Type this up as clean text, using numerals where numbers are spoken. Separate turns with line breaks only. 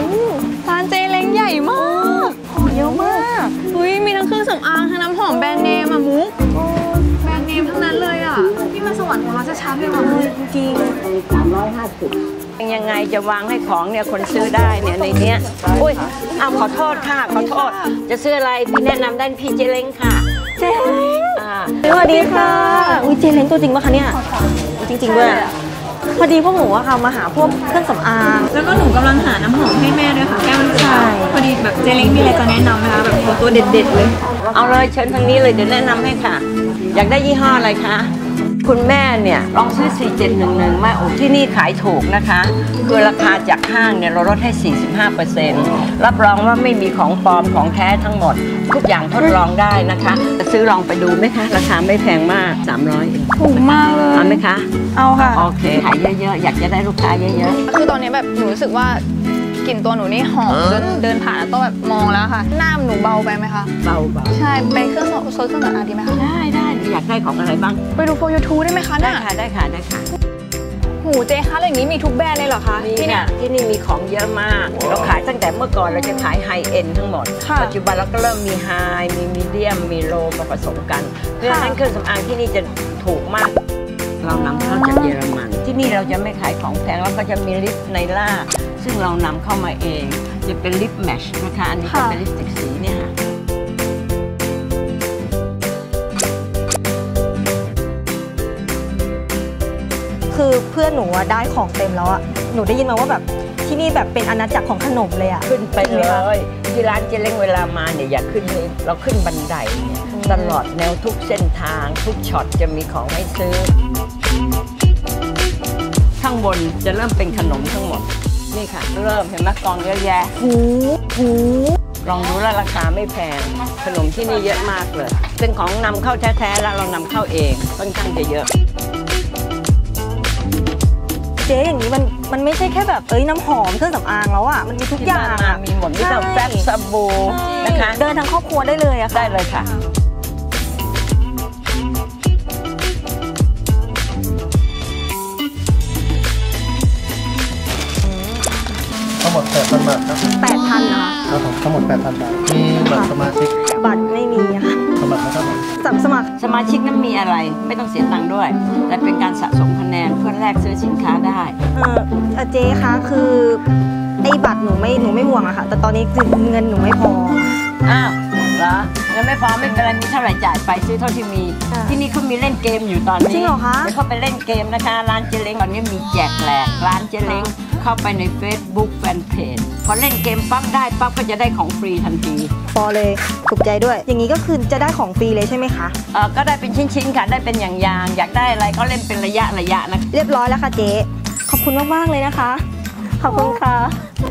ร้านเจเล้งใหญ่มากของเยอะมากอุ้ยมีทั้งเครื่องสำอางทั้งน้ำหอมแบรนด์เนมอะมุกแบรนด์เนมทั้งนั้นเลยอะที่มาสวรรค์ของเราจะช้าเลยว่ะเลยจริง
ยังไงจะวางให้ของเนี่ยคนซื้อได้เนี่ยในเนี้ยอุ้ยเอาขอโทษค่ะขอโทษจะซื้ออะไรพี่แนะนำได้พี่เจเล้งค่ะ
เจเล้งสวัสดีค่ะอุ้ยเจเล้งตัวจริงปะคะเนี่ยจริงๆด้วยพอดีพวกหนูอะค่ะมาหาพวกเครื่องสำอางแล้วก็หนูกำลังหาน้ำหอมให้แม่ด้วยค่ะแก้มลูกชายพอดีแบบเจเล้งมีอะไรจะแนะนำไหมคะแบบตัวเด็ดๆเลย
เอาเลยเชิญทางนี้เลยเดี๋ยวแนะนำให้ค่ะอยากได้ยี่ห้ออะไรคะคุณแม่เนี่ยลองซื้อ4711มาโอ้ที่นี่ขายถูกนะคะคือราคาจากห้างเนี่ยเราลดให้ 45%รับรองว่าไม่มีของปลอมของแท้ทั้งหมดทุกอย่างทดลองได้นะคะจะซื้อลองไปดูไหมคะราคาไม่แพงมาก300เอง
ถูกมากเลย
เอาไหมคะ
เอาค่ะ
โอเคขายเยอะๆอยากจะได้ลูกค้าเยอะ
ๆคือตอนนี้แบบหนูรู้สึกว่ากลิ่นตัวหนูนี่หอมเดินผ่านแล้วต้องแบบมองแล้วค่ะหน้าหนูเบาไปไหมคะ
เบา
ใช่ไปเครื่องโซนเครื่องสำอางดีไหมคะ
ได้อยากได้ของอะไรบ้าง
ไปดูโฟยูทูได้ไหมคะ
ได้ค่ะ
หูเจคะอะไรอย่างนี้มีทุกแบรนด์เลยเหรอคะ
ที่นี่มีของเยอะมากเราขายตั้งแต่เมื่อก่อนเราจะขายไฮเอ็นทั้งหมดปัจจุบันเราก็เริ่มมีไฮมีมีเดียมมีโลมาผสมกันเพื่อให้เครื่องสำอางที่นี่จะถูกมากเรานำเข้าจากเยอรมันที่นี่เราจะไม่ขายของแพงแล้วก็จะมีลิปไนล่าซึ่งเรานำเข้ามาเองจะเป็นลิปแมชนะคะอันนี้ก็เป็นลิปสติกสีเนี่ยค่ะ
คือเพื่อนหนูได้ของเต็มแล้วอะหนูได้ยินมาว่าแบบที่นี่แบบเป็นอาณาจักรของขนมเลยอะ
ขึ้นไปเลยที่ร้านเจเล้งเวลามาเนี่ยอยากขึ้นเลยเราขึ้นบันไดตลอดแนวทุกเส้นทางทุกช็อตจะมีของให้ซื้อข้างบนจะเริ่มเป็นขนมทั้งหมดนี่ค่ะเริ่มเห็นไหมกองเยอะแยะ
หู
ลองดูแล้วราคาไม่แพงขนมที่นี่เยอะมากเลยเป็นของนำเข้าแท้ๆแล้วเรานำเข้าเองค่อนข้างจะเยอะ
เจ๊อย่างนี้มันไม่ใช่แค่แบบน้ำหอมเครื่องสำอางแล้วอ่ะมันมีทุกอย่าง
มีหมดมีแต่แฟบสบู่นะคะ
เดินทั้งครอบครัวได้เลยอะค่ะ
ได้เลยค่ะ
ทั้งหมด 8,000 บาทครับ
8,000 นะคะ
ครับผมทั้งหมด 8,000 บาทมีบัตรสมาชิก
บัตรไม่มีค่ะ
สมัครนะครับ
สมาชิกนั้นมีอะไรไม่ต้องเสียตังค์ด้วยแต่เป็นการสะสมคะแนนเพื่อแลกซื้อสินค้าได้
เจ๊คะคือไอ้บัตรหนูไม่ห่วงอะค่ะแต่ตอนนี้คือเงินหนูไม่พอ
อ้าวเหรอเงินไม่พอไม่เป็นไรมีเท่าไหร่จ่ายไปซื้อเท่าที่มีที่นี่เขามีเล่นเกมอยู่ตอนนี้
จริงเหรอคะ
เดี๋ยวเขาไปเล่นเกมนะคะร้านเจเล้งตอนนี้มีแจกแหลกร้านเจเล้งเข้าไปใน Facebook Fanpage พอเล่นเกมปั๊บได้ปั๊บก็จะได้ของฟรีทันที
พอเลยถูกใจด้วยอย่างนี้ก็คือจะได้ของฟรีเลยใช่ไหมคะ
ก็ได้เป็นชิ้นๆค่ะได้เป็นอย่างอยากได้อะไรก็เล่นเป็นระยะนะ
เรียบร้อยแล้วค่ะเจ๊ขอบคุณมากๆเลยนะคะขอบคุณค่ะ